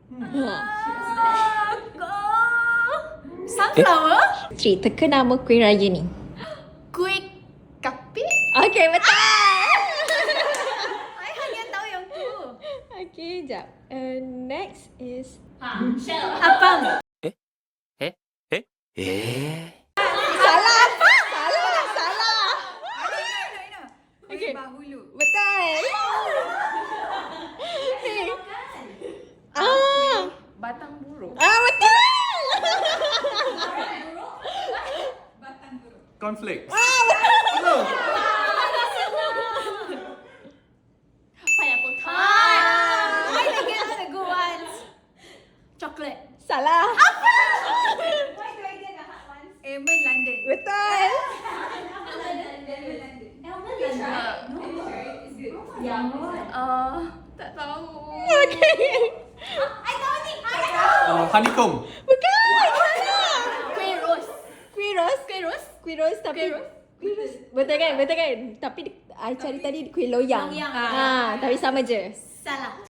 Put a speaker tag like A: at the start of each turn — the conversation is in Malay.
A: Sunflower?
B: Tri, teka nama kuih raya ni.
A: Kuih kapit?
B: Okay, betul.
A: I hanya tahu yang tu.
B: Okay, jap. Next is...
A: Apam.
B: Salah apa? Salah.
A: I know.
B: Okay.
A: Kuih bahulu.
B: Betul.
A: Batang buruk.
B: Betul.
C: Cornflakes.
A: Pineapple tart. I get all the good ones. Chocolate.
B: Salah.
A: Why do I get the hard ones? Almond London.
B: Betul.
A: Tak tahu.
B: Okay.
A: I tahu ni.
C: Honeycomb.
B: Bukan. Salah.
A: Kuih rose.
B: Kuih ros. Kuih ros tapi...
A: Kuih ros.
B: Kuih ros. Betul kan? Tapi I cari tadi kuih loyang.
A: Loyang.
B: Tapi sama je.
A: Salah.